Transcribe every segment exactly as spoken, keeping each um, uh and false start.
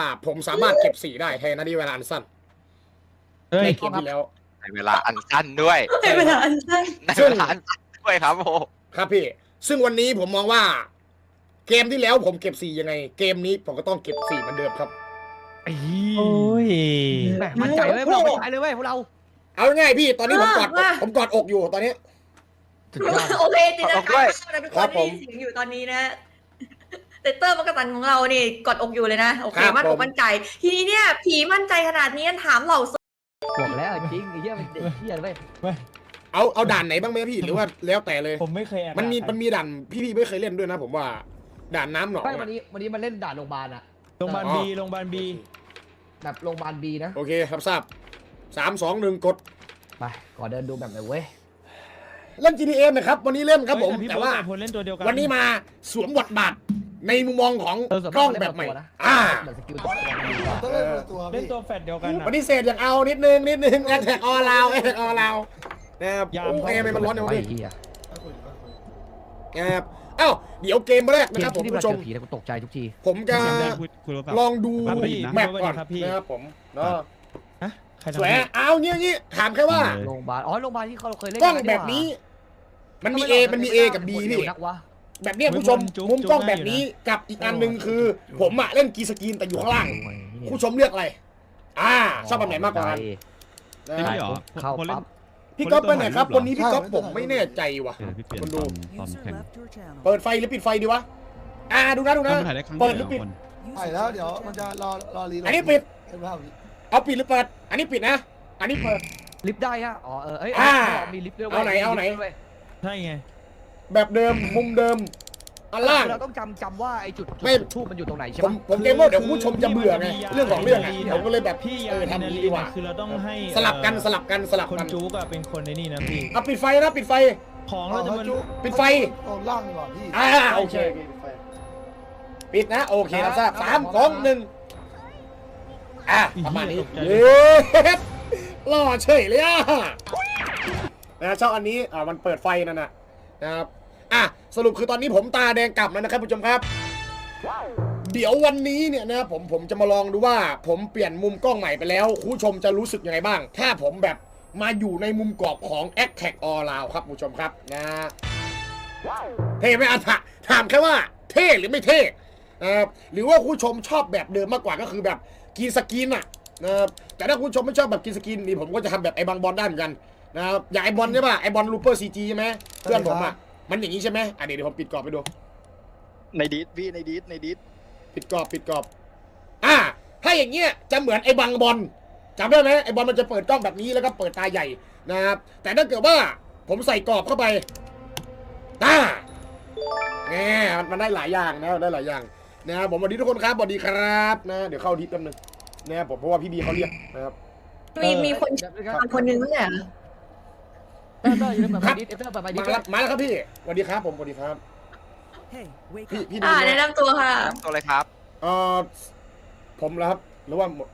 ผมสามารถเก็บสี่ได้แทนนาทีเวลาอันสั้นในเกมที่แล้วในเวลาอันสั้นด้วยในเวลาอันสั้นในเวลาอันสั้นด้วยครับโอ้ครับพี่ซึ่งวันนี้ผมมองว่า เกมที่แล้วผมเก็บสี่ยังไง เกมนี้ผมก็ต้องเก็บสี่เหมือนเดิมครับโอ้ยแหมมั่นใจเลยพวกเรามั่นใจเลยเว้ยพวกเราเอาง่ายๆพี่ตอนนี้ผมกอดอกผมกอดอกอยู่ตอนนี้สุดยอดโอเคจินตนาการนะทุกคครันบผมที่เสียงอยู่ตอนนี้นะเตเตอร์มักกะตันของเรานี่กอดอกอยู่เลยนะโอเคครับมั่นอผกมมั่นใจ ทีนี้เนี่ยผีมั่นใจขนาดนี้ถามเหล่าบอกแล้วจริงไอ้เหี้ยมันเด็กเหี้ยเลยเว้ยเอาเอาด่านไหนบ้างไหมพี่หรือว่าแล้วแต่เลยผมไม่เคยแอบมันมีด่ามันมีด่านพี่ๆไม่เคยเล่นด้วยนะ ผมว่าด่านน้ำหนองไม่อะวันนี้วันนี้มันเล่นด่านโรงพยาบาลอะโรงพยาบาลอ๋อบีโรงพยาบาลบีแบบโรงพยาบาลบีนะโอเคครับทราบสามสองหนึ่งกดไปก่อนเดินดูแบบไหนเว้ยเล่น จี ที เอ นะครับวันนี้เล่นครับผมเฮ้ยแต่ว่าพี่โบ๊ทกับพลเล่นตัวเดียวกันวันนี้มาสวมบทบาทในมุมมองของเออส่วนกล้องมากแบบใหม่เล่นตัวนะอ่าเหมือนสกิลตัวมันดีกว่าต้องเล่นคนละตัวเล่นพี่ตัวแฟดเดียวกันอะปฏิเสธอย่างเอานิดนึงนิดนึงแอทแทกออลาวแอทแทกออลาวนะครับยามโอ้ยทำไมมันร้อนอย่างไอ้นี้เหี้ยนะครับเอ้าเดี๋ยวเกมแรกเกนะคมรับผมที่ผู้เราชเจมอผีแล้วกูตกใจทุกทีผมจะเสียงดังคุยคุยโทรศัพท์ลองดูครับพี่นะแมปก่อนครับพี่นะครับผมเนาะฮะใครทำสวยเอาเงี้ยงี้ถามแค่ว่าโรงพยาบาลอ๋อโรงพยาบาลที่เขาเคยเล่นกล้องกัแบบนี้ มันมี A มันมี A กับ B พี่นักวะแบบเนี้ยผู้ชมมุมกล้องแบบนี้กับอีกอันหนึ่งคือ ผมอะเล่นกีสกรีนแต่อยู่ข้างล่างผู้ชมเลือกอะไรอ่าชอบแบบไหนมากกว่ากันนะไม่เหรอเข้าคนเล่นปั๊บพี่ก๊อฟไปไหนครับคนนี้พี่ก๊อฟผมไม่แน่ใจว่ะเออพี่เปลี่ยนคนตดูอนตอนแข่งเปิดไฟหรือปิดไฟดีวะอ่าดูนะดูนะถ้ามันถ่ายได้ครั้งเปิเดีดยวหรือปิดคนใช่แล้วเดี๋ยวมันจะรอรอรีโหลอันนี้ปิดเห็นไหมครับเอาปิดหรือเปิด อันนี้ปิดนะ อันนี้เปิดลิฟต์ได้ฮะอ๋อเออเอ้ยอ่ามีลิฟต์ด้วยว้ยเอาไหนเอาไหนมีลิฟต์ด้วยใช่ไงแบบเดิมมุมเดิมอันล่างเราต้องจำจำว่าไอ้จุดจุดไม่ทูบมันอยู่ตรงไหนใช่ผปะมผมเกรงว่าเดี๋ยวคุณผู้ชมจะเบื่อไงเรื่องของเรื่องอะพี่ผมก็เลยแบบพี่เออทำอย่างนี้ดีกว่าคือเราต้องให้สลับกันสลับกันสลับคนกันจู๊กอะเป็นคนในนี่นะพี่เอาปิดไฟนะปิดไฟของเราจะมันปิดไฟตอนล่างดีกว่าพี่อ่าโอเคปิดนะโอเคครับทราบสามสองหนึ่งอ่ะประมาณนี้เย้หล่อเฉยเลยอ่ะนะชอบอันนี้อ่ามันเปิดไฟนั่นน่ะนะครับอ่ะสรุปคือตอนนี้ผมตาแดงกลับแล้วนะครับผู้ชมครับ เดี๋ยววันนี้เนี่ยนะครับผมผมจะมาลองดูว่า ผมเปลี่ยนมุมกล้องใหม่ไปแล้วคุณผู้ชมจะรู้สึกยังไงบ้าง ถ้าผมแบบมาอยู่ในมุมกรอบของ Attack All Round ครับผู้ชมครับนะเท่ไหมอ่ะถามแค่ว่าเท่หรือไม่เท่นะครับหรือว่าคุณผู้ชมชอบแบบเดิมมากกว่าก็คือแบบกินสกินอะนะครับแต่ถ้าคุณผู้ชมไม่ชอบแบบกินสกินนี่ผมก็จะทำแบบไอ้บางบอลได้เหมือนกันนะครับอย่างไอ้บอลใช่ป่ะไอ้บอลลูเปอร์ซีจีใช่ไหมเพื่อนผมอะมันอย่างนี้ใช่ไหมอ่ะเดี๋ยวผมปิดกรอบไปดูในดิสพี่ในดิสในดิสปิดกรอบปิดกรอบอ่าถ้าอย่างเงี้ยจะเหมือนไอ้บังบอลจำได้ไหมไอ้บอลมันจะเปิดกล้องแบบนี้แล้วก็เปิดตาใหญ่นะครับแต่ถ้าเกิดว่าผมใส่กรอบเข้าไปอ่าแหมมันได้หลายอย่างนะได้หลายอย่างนะครับผมสวัสดีทุกคนครับสวัสดีครับนะเดี๋ยวเข้าดิสแป๊บนึงนะครับผมเพราะว่าพี่บีเขาเรียกนะครับมีมีคนคนหนึงไม่ใช่เหรอเตอร์เตอร์อยู่ในเปิดไฟดิสเตอร์เปิดไฟดิมาสแล้วมาแล้วครับพี่สวัสดีครับผมสวัสดีครับพี่พี่ดูอ่าแนะนะนำตัวค่ะน้ำตัวเลยครับเอ่อผมแล้วครับหรือว่าหมด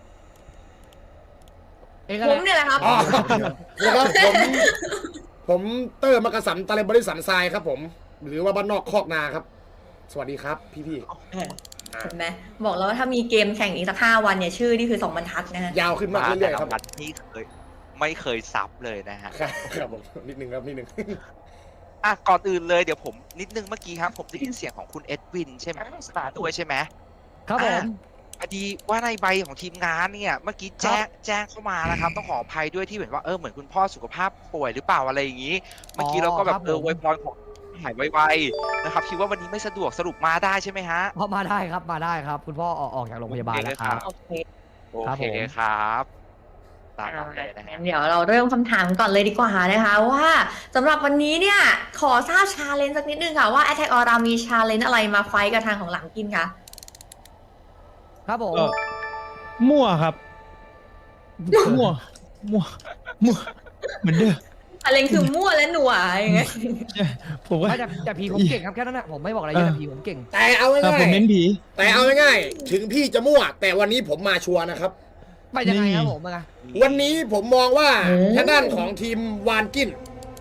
เองผอะไรมเนี่ยแหละครับอ๋อนะครับผมผมเตอร์มักกะสันตะเลบริสันทรายครับผม หรือว่าบ้านนอกคอกนาครับ สวัสดีครับ พี่พี่เห็นไหมบอกแล้วว่าถ้ามีเกมแข่งอีกสักห้าวันเนี่ยชื่อนี่คือสองบรรทัดนะฮะยาวขึ้นมากเรื่อยๆครับแต่ละวันนี่เคยไม่เคยซับเลยนะฮะครับครับผมนิดนึงครับนิดนึงอ่ะก่อนอื่นเลยเดี๋ยวผมนิดนึงเมื่อกี้ครับผมได้ยินเสียงของคุณเอ็ดวินใช่ไหมสตาร์ด้วยใช่ไหมครับผมพอดีว่าในใบของทีมงานเนี่ยเมื่อกี้แจ้งแจ้งเข้ามานะครับต้องขออภัยด้วยที่เห็นว่าเออเหมือนคุณพ่อสุขภาพป่วยหรือเปล่าอะไรอย่างนี้ เมื่อกี้เราก็แบบเออไวยพรของหายไวๆนะครับคิดว่าวันนี้ไม่สะดวกสรุปมาได้ใช่ไหมฮะพอมาได้ครับมาได้ครับ คุณพ่อออกออกจากโรงพยาบาลแล้วครับโอเคโอเคครับตามนั้นเลยนะฮะเดี๋ยวเราเริ่มคำถามก่อนเลยดีกว่านะคะว่าสำหรับวันนี้เนี่ยขอทราบชาเลนจ์สักนิดนึงค่ะว่า Attack on Round มีชาเลนจ์อะไรมาไฟท์กับทางของหลังกินคะครับผมเออมั่วครับ มั่ว มั่ว มั่ว เหมือนเดิมชาเลนจ์คือมั่วและหนัวอย่างเงี้ยผมว่าไม่แต่แต่ผีผมเก่งครับแค่นั้นแหละผมไม่บอกอะไรเยอะแต่ผีผมเก่งแต่เอาแต่ง่าผมเน้ยนผีๆแต่เอาง่ายๆถึงพี่จะมั่ว แต่วันนี้ผมมาชัวร์นะครับไปยังไงครับนี่ผมอะวันนี้ผมมองว่าทางด้านของทีมวานกิน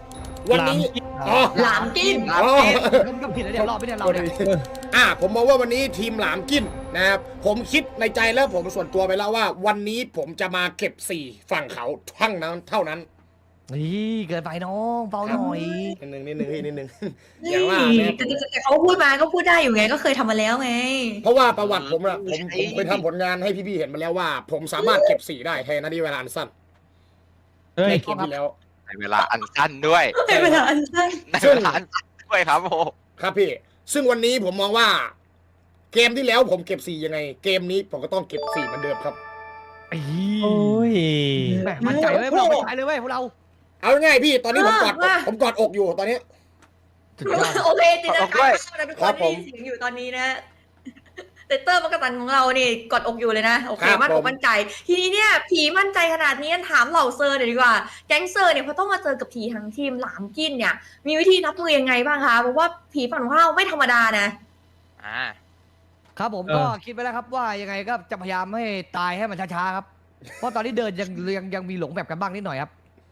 วันนี้อ๋อหลามกินอ๋อมันก็ผิดแล้วเนี่ยรอบไม่ได้เราเนี่ยอ่ะผมมองว่าวันนี้ทีมหลามกินนะครับผมคิดในใจแล้วผมส่วนตัวไปแล้วว่า วันนี้ผมจะมาเก็บสี่ฝั่งเขาทั้งนั้นเท่านั้นนี่เกินไปน้องเบาหน่อยนิดนึงนิดนึงพี่นิดนึงอนี่ย่างว่าเนี่ยแต่แต่แต่เขาพูดมาก็พูดได้อยู่ไงก็เคยทำมาแล้วไงเพราะว่าประวัติผมอะผมผมไปทำผลงานให้พี่ๆเห็นมาแล้วว่า ผมสามารถเก็บสี่ได้แทนนาทีเวลาอันสั้นเฮ้ยในเกมที่แล้วในเวลาอันสั้นด้วยในเวลาอันสั้นในเวลาอันสั้นด้วยครับโอ้ครับพี่ ซึ่งวันนี้ผมมองว่า เกมที่แล้วผมเก็บสี่ยังไง เกมนี้ผมก็ต้องเก็บสี่เหมือนเดิมครับโอ้ยแหมมั่นใจเลยพวกเรามั่นใจเลยเว้ยพวกเราเอาง่ายๆพี่ตอนนี้ผมกอดอกผมกอดอกอยู่ตอนนี้สุดยอดโอเคจินตนาการนะทุกคครันบผมที่เสียงอยู่ตอนนี้นะเตเตอร์มักกะตันของเรานี่กอดอกอยู่เลยนะโอเคครับมั่นอผกมมั่นใจ ทีนี้เนี่ยผีมั่นใจขนาดนี้ถามเหล่าเซอร์หน่อยดีกว่า แก๊งเซอร์เนี่ยพอต้องมาเจอกับผีทั้งทีมหลามกินเนี่ย มีวิธีรับมือยังไงบ้างคะเพราะว่าผีฝั่งของเราไม่ธรรมดานะอ่าครับผมเออก็คิดไปแล้วครับว่ายังไงก็จะพยายามให้ตายให้มันช้าๆครับ เพราะตอนนี้เดินยังยังยังมีหลงแบบกันบ้างนิดหน่อยครับ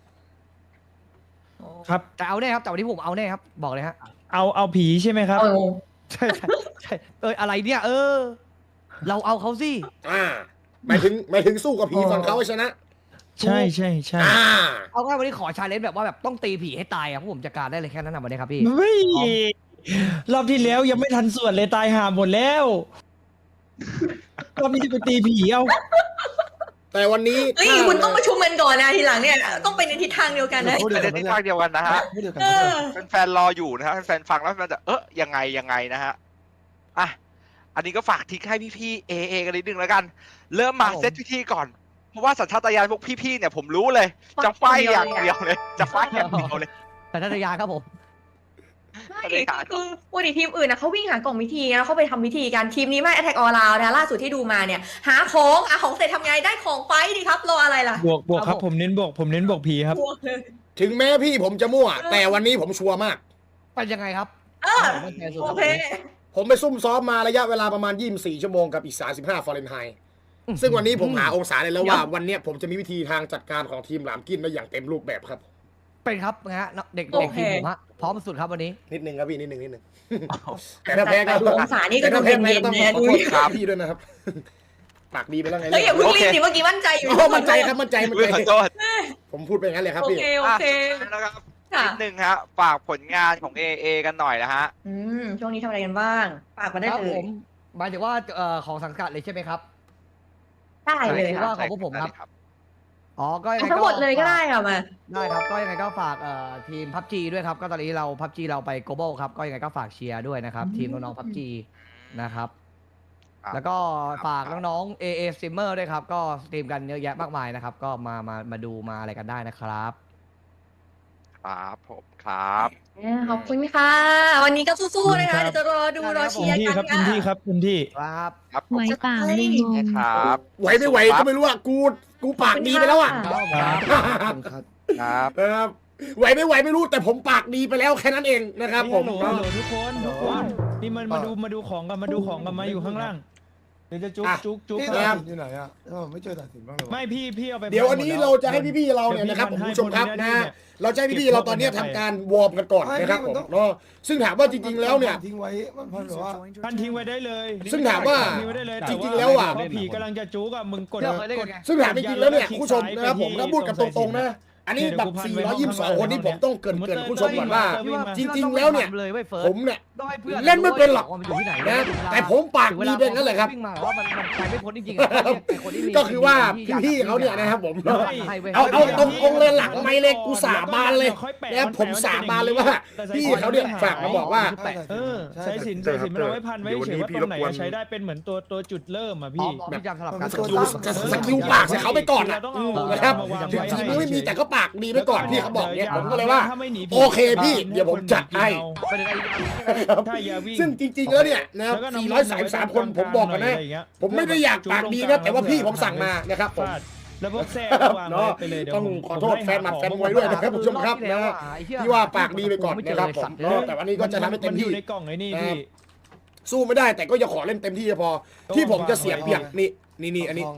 ครับแต่เอาแน่ครับแต่วันนี้ผมเอาแน่ครับบอกเลยฮะเอาเอาผีใช่ไหมครับเอาใช่ใช่ใช่เอออะไรเนี่ย เออ เราเอาเขาสิอ่าหมายถึงหมายถึงสู้กับผีฝั่งเขาให้ชนะใช่ใช่ใช่อ่าเอาง่ายวันนี้ขอชาเลนจ์แบบว่าแบบต้องตีผีให้ตายอ่ะพวกผมจัดการได้เลยแค่นั้นนะวันนี้ครับพี่เฮ้ยรอบที่แล้วยังไม่ทันสวดเลยตายห่าหมดแล้วรอบนี้จะไปตีผีเอาแต่วันนี้เฮ้ยถ้าคุณต้องประชุมกันก่อนนะทีหลังเนี่ยต้องไปในทิศทางเดียวกันนะพูดปเดียวระกัเด็นนที่ภาคเดียวกันนะฮะพูดเดียวกันเออแฟนๆรออยู่นะฮะแฟนๆฟังแล้วมันจะเอ๊ะยังไงยังไงนะฮะอ่ะอันนี้ก็ฝากทิ้งให้พี่ๆเอเอกันนิดนึงแล้วกัน เริ่มมาครับผมเซตพิธีก่อน เพราะว่าสัญชาตญาณพวกพี่ๆเนี่ยผมรู้เลย จะไฟอย่างเดียวเลย จะไฟอย่างเดียวเลยแต่ทัศยาครับผมไม่คือปกติทีมอื่นนะเขาวิ่งหากล่องวิธีแล้วเขาไปทำวิธีการทีมนี้ไม่ Attack All Round นะล่าสุดที่ดูมาเนี่ย หาของหาของเสร็จทำไงได้ของไฟดีครับรออะไรล่ะบวกบวกครับครับผผมมเน้นบวกผมเน้นบวกผีครับบวกเลยถึงแม้พี่ผมจะมั่ว แต่วันนี้ผมชัวร์มากเป็นยังไงครับเออมั่นใจสุดโอรับเคผมไปซุ่มซ้อมมาระยะเวลาประมาณยี่สิบสี่ชั่วโมงกับอีกสามสิบห้าฟาเรนไฮต์ซึ่งวันนี้ผมหาองศาได้แล้วว่าวันเนี้ยผมจะมีวิธีทางจัดการของทีมหลามกินได้อย่างเต็มรูปแบบครับเป็นครับนะฮะเด็กโอเด็กเคทีมผมฮะพร้อมสุดครับวันนี้นิดนึงครับพี่นิดนึงนิดนึงแต่ถ้าแพ้ก็แต่องศานี่ก็แต่ต้ถ้าองแพ้เป็นก็เย็นต้องแน่ขอดูโทษครับพี่ด้วยนะครับปากดีไปแล้วไงเฮ้ยอย่าเพิ่งรีบดิเมื่อกี้มั่นใจอยู่โอ้มั่นใจครับมั่นใจมั่นอุ้ยใจขอโทษผมพูดไปงั้นเลยครับโอพี่เคโอเคอ่ะนะครับค่ะนิดนึงฮะฝากผลงานของ เอ เอ กันหน่อยนะฮะอืมช่วงนี้ทำอะไรกันบ้างฝากมาได้ครับเลผยมหมายถึงว่าเอ่อของสังกัดเลยใช่ไหมครับได้เลยใช่ค่ะว่าของพวกผมครับ อ๋อก็ยังไงทั้งหมดเลยก็ได้ค่ะมาได้ครับก็ยังไงก็ฝากเอ่อทีมพับจีด้วยครับก็ตอนนี้เราพับจีเราไป global ครับก็ยังไงก็ฝากเชียร์ด้วยนะครับทีมน้องๆพับจีนะครับครับแล้วก็ฝากน้องๆ เอ เอ Streamer ด้วยครับ ก็สตรีมกันเยอะแยะมากมายนะครับ ก็มา มา มาดูมาอะไรกันได้นะครับครับผมครับขอบคุณค่ะ วันนี้ก็สู้ๆนะคะเดี๋ยวจะรอดูรอเต็เชีมยร์ที่กันครับเต็ค่ะมที่ครับเต็มที่ครับครับผมไว้เปล่าลิงงครับไหวไม่ไหวก็ไม่รู้อ่ะกูกูปากดีไปแล้วอ่ะครับครับครับครับไหวไม่ไหวไม่รู้แต่ผมปากดีไปแล้วแค่นั้นเองนะครับผมฮัลโหลฮัลโหลทุกคนทุกคนนี่มันมาดูมาดูของกันมาดูของกันมาอยู่ข้างล่างเดี๋ยวจะจุกจุกจุกพี่คตัดรับสินอยู่ไหนอ่ะเออไม่เจอตัดสินบ้างเลยไม่พี่พี่เอาไปเดี๋ยวอันนี้หมดเราแล้วจะให้พี่ๆเราเนี่ยนะครับผมผู้ชมครับนะเราจะให้พี่ๆเราตอนนี้ทำการวอร์มกันก่อนนะครับผมเนาะซึ่งถามว่าจริง ๆแล้วเนี่ยทิ้งไว้มันพันแบบว่าท่านทิ้งไว้ได้เลยซึ่งถามว่าทิ้งไว้ได้เลยจริงๆแล้วอะต่าผีกำลังจะจุกอะมึงกดเดี๋ยวเคยเล่นกกัดนไงซึ่งถามจริงๆแล้วเนี่ยผู้ชมนะครับผมถ้าพูดกันตรงๆนะอันนี้แบบสี่ร้อยยี่สิบสองคนนี้ผมต้องเกรินเกรินผู้ชมก่อนว่า จริงๆแล้วเนี่ยเลยเว้ยเฟิร์สผมเนี่ยต้องให้พื่อเล่นไม่เป็นหรอกว่ามันอยู่ที่ไหนนะแต่ผมปากดีเป็นงั้นแหละครับวิ่งมาว่ามันมันไปไม่พ้นจริงๆอะแต่คนที่มีก็คือว่าพี่ๆเขาเนี่ยนะครับผม เอาเอาตรงๆเลยหลังไม่เลยกูสาบานเลยนะผมสาบานเลยว่าพี่เขาเนี่ยฝากมาบอกว่าเออใช้สินใช้สินมันเอาไว้พันไว้เฉยว่าตรงไหนอะใช้ได้เป็นเหมือนตัวตัวจุดเริ่มอ่ะพี่พี่แบบสลับกันสกิลสกิลปากใส่เขาไปก่อนนะนะครับถึงทีมไม่มีแต่ก็ปากดีไปก่อนพี่เขาบอกเนี่ยผมก็เลยว่า โอเคพี่เดี๋ยวผมจัดให้ไปเลยถ้าอย่าวิ่งซึ่งจริงๆแล้วเนี่ยนะครับสี่ร้อยสามสิบสามคนผมบอกกันนะ ผมไม่ได้อยากปากดีนะแต่ว่าพี่ผมสั่งมานะครับผมแล้วพวกแซ่วางเนาะไปเลยเดี๋ยวต้องผมขอโทษแฟนหมัดแฟนมวยด้วยนะครับผู้ชมครับนะที่ว่าปากดีไปก่อนนะครับผมเนาะแต่วันนี้ก็จะทำให้เต็มนอที่ยู่ในกล่องไอ้นี่พี่สู้ไม่ได้แต่ก็จะขอเล่นเต็มที่พอ ที่ผมจะเสียเปรียบนี่นี่นี่อันนี้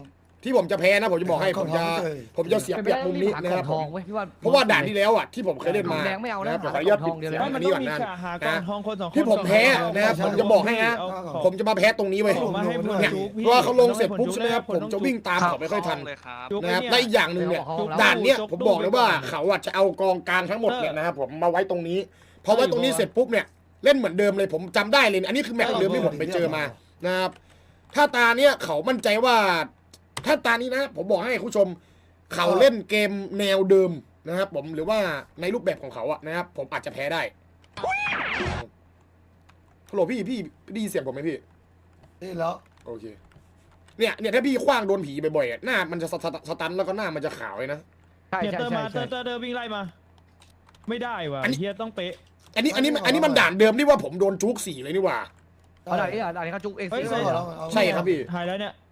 ที่ผมจะแพ้นะผมจะบอกให้ผมจะผมจะเสียเปรียบมุมนี้นะครับทองเว้ยพี่ว่าเพราะว่าด่านที่แล้วอ่ะที่ผมเคยเล่นมาแดงไม่เอานะนะครับผมขออนุญาตทองเดียวเลยปิไม่ดมันเสียงต้อัอน งนี้ก่อนนะมีหากองทองคนสองคนที่ผมแพ้นะครับผมจะบอกให้นะเอาของผมจะมาแพ้ตรงนี้เว้ยเอามาให้ผลเนี่ยจุกพี่เพราะว่าเขาลงเสร็จปุ๊บผลจุกใช่ไหมครับผลผมต้องจะวิ่งตามเขาไม่ค่อยทันเลยครับจุกนะครับไอ้และอีกอย่างหนึ่งเนี่ยจุกด่านเนี้ยจุกผมบอกเลยว่าจุกเขาอ่ะจะเอากองกลางทั้งหมดเนี่ยนะครับผมมาไว้ตรงนี้พอไว้ตรงนี้เสร็จปุ๊บเนี่ยเล่นเหมือนเดิมเลยผมจำได้เลยอันนี้คือแมตช์เดิมที่ผมไปเจอมานะครับถ้าตาเนี้ยเขามั่นใจว่าถ้าตานี้นะ ผมบอกให้คุณผู้ชม เขาเล่นเกมแนวเดิมนะครับผมหรือว่าในรูปแบบของเขาอะนะครับผมอาจจะแพ้ได้ฮัลโหลพี่พี่ได้ยินเสียงผมไหมพี่นี่แล้วโอเคเนี่ยเนี่ยถ้าพี่คว้างโดนผีบ่อยๆอะหน้ามันจะสตสตันแล้วก็หน้ามันจะขาวเลยนะใช่เนี่ยใช่เตอร์ใช่มาเตอใช่ร์เตอร์เตอร์วิ่งไล่มา ไม่ได้ว่ะอันนี้เฮียต้องเป๊ะอันนี้อันนี้อันนี้มันด่านเดิมที่ว่าผมโดนจุกสี่เลยนี่หว่าเอาด่านนี้อ่ะด่านนี้เขาจุกเองเฮ้ยสิใช่เอาเหรอเอาใช่ครับพี่หายแล้วเนี่ย